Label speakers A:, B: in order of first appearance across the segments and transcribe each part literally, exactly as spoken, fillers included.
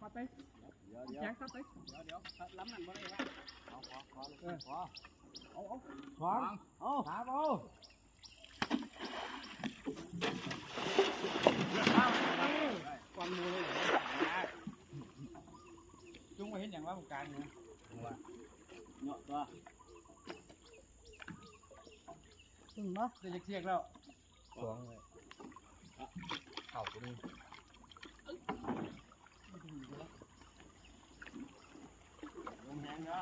A: ไปเดี๋ยวเดี๋ยวซับไปเดี๋ยวเดี๋ยวล้ำนั่นบ่ได้ว่าเอาขอขอเลยขอเอาเอาขวางเอาถามเอาความมือเลยจุ้งมาเห็นอย่างว่าการเนี่ยว่าเนาะตัวถึงมั้ยจะเชียกแล้วขวางเลยเข่าตัวนี้ลงแหงเนาะ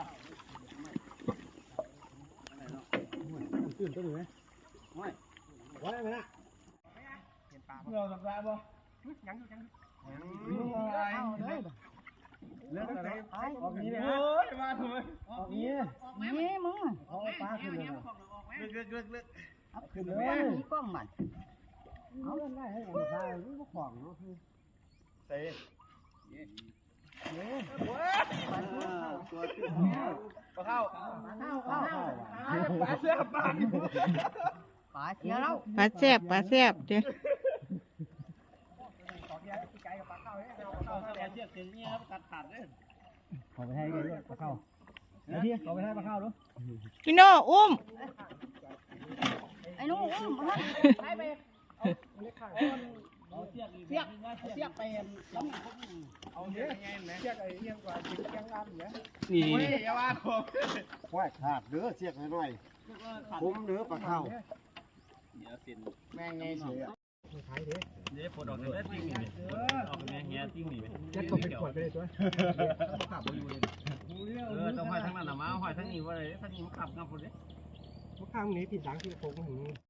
A: ตื่นตัวหนึ่งไหมไม่ว่าได้ไหมนะเห็นปลาเราสับปลาบ่ยังอยู่ยังอยู่อะไรเรื่องอะไรออกนี้เลยฮะมาทำไมออกนี้นี่มึงเอาปลาขึ้นเลยเลือกเลือกเลือกเลือกเอาขึ้นเลยมีกล้องมันเอาเล่นได้ให้ผมใส่นี่พวกของเนาะเตะเนี่ยตัวปลาเข้าปลาเข้าปลาเข้าปลาเสียบปลาปลาเสียแล้ว
B: ปลาแซ่บปลาแซ่บเด้อ
A: ขอไปให้ด้วยปลาเข้าไอ้ที่ขอไปให้ปลาเข้าดู
B: พี่โน่อุ้ม
C: ไอ้นู้อุ้มมาให้ไป
A: เอาเสียกเสียกเสียกไปล้ำเอาเสียกยังไงไหมเสียกไอ้ยังกว่าจิกยังงามอยู่นะนี่อย่าว่าผมว่าขาดเนื้อเสียกหน่อยคุ้มเนื้อปลาเข้าเดี๋ยวสินแม่งไงเสียขายดิเดี๋ยวปวดออกเลยติ้งนี่ออกแม่งเงี้ยติ้งนี่จะตกเป็นขวดไปเลยตัวขับไปอยู่เลยเออต้องห้อยทั้งนั้นนะมาห้อยทั้งนี้ว่าเลยทั้งนี้มันขับงับหมดเลยมันข้างนี้ติดดังที่โค้งถึง